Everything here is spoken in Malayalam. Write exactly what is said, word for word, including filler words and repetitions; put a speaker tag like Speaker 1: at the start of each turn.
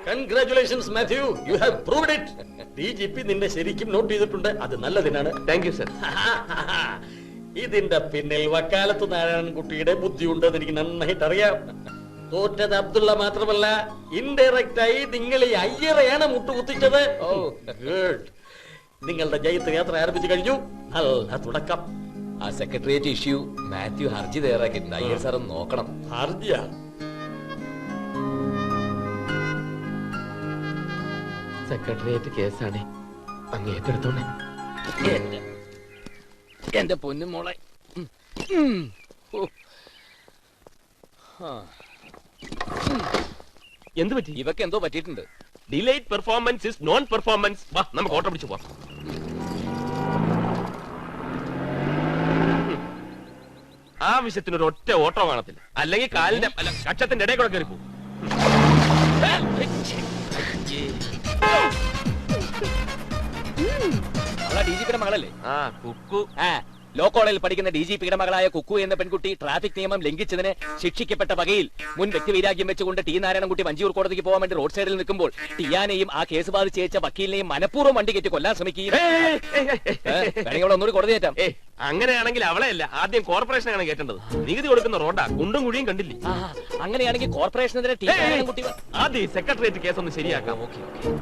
Speaker 1: Congratulations Mathew, you have proved it. D G P നിന്നെ ശരിക്കും നോട്ട് ചെയ്തിട്ടുണ്ട്. അത് നല്ലതിനാണ്.
Speaker 2: Thank you sir.
Speaker 1: ഇതിന്റെ പിന്നിൽ വക്കാലത്ത് നാരായണൻകുട്ടിയുടെ ബുദ്ധിയുണ്ടെന്ന് എനിക്ക് നന്നായിട്ട് അറിയാം. തോറ്റത് അബ്ദുള്ള മാത്രമല്ല, ഇൻഡയറക്റ്റ് ആയി നിങ്ങൾ ഈ അയ്യറയാണ് മുട്ടുകുത്തിച്ചത്. ഓ ഗുഡ്. നിങ്ങളുടെ ജയത്ത് യാത്ര ആരംഭിച്ചു കഴിഞ്ഞു. നല്ല തുടക്കം.
Speaker 3: ആ സെക്രട്ടേറിയറ്റ് ഇഷ്യൂ മാത്യു ഹർജി തയ്യാറാക്കിയിട്ടുണ്ട്. അയ്യർ സാർ ഒന്ന് നോക്കണം.
Speaker 1: ഹർജിയാ?
Speaker 3: സെക്രട്ടേറിയറ്റ് കേസാണ്, അങ്ങ് ഏറ്റെടുത്തോണേ. എന്റെ പൊന്നു മോളെ.
Speaker 2: എന്ത് പറ്റി?
Speaker 3: ഇവക്ക് എന്തോ പറ്റിയിട്ടുണ്ട്.
Speaker 2: Delayed performance is non performance. വാ നമുക്ക് ഓട്ടം പിടിച്ചു പോവാം. ആവശ്യത്തിന് ഒരു ഒറ്റ ഓട്ടോ കാണത്തില്ല, അല്ലെങ്കിൽ കാലിന്റെ അല്ല കക്ഷത്തിന്റെ ഇടയിൽ കൂടെ കയറി പോകും.
Speaker 3: ഡി ജി പിയുടെ മകളല്ലേ?
Speaker 2: ആ കുക്കു.
Speaker 3: ആ ലോ കോളേജിൽ പഠിക്കുന്ന ഡി ജി പിയുടെ മകളായ കുക്കു എന്ന പെൺകുട്ടി ട്രാഫിക് നിയമം ലംഘിച്ചതിന് ശിക്ഷിക്കപ്പെട്ട വകയിൽ മുൻ വ്യക്തിവൈരാഗ്യം വെച്ചുകൊണ്ട് ടി നാരായണൻകുട്ടി വഞ്ചിയൂർ കോടതിക്ക് പോകാൻ വേണ്ടി റോഡ് സൈഡിൽ നിൽക്കുമ്പോൾ ടിയാനെയും ആ കേസ് ബാധിച്ച് അയച്ച വക്കീലിനെയും മനഃപൂർവ്വം വണ്ടി കയറ്റി കൊല്ലാൻ ശ്രമിക്കുകയും വേണമെങ്കിൽ ഒന്നുകൂടി കോടതി കയറ്റാം.
Speaker 2: ഏ അങ്ങനെയാണെങ്കിൽ അവളെ അല്ല, ആദ്യം കോർപ്പറേഷനാണ് കേട്ടേണ്ടത്. നികുതി കൊടുക്കുന്ന റോഡാ, കുണ്ടും കുഴിയും കണ്ടില്ലേ.
Speaker 3: അങ്ങനെയാണെങ്കിൽ കോർപ്പറേഷനെതിരെ ടി നാരായണൻകുട്ടി
Speaker 2: ആദ്യം സെക്രട്ടേറിയറ്റ് കേസ് ഒന്ന് ശരിയാക്കാം.
Speaker 3: Okay okay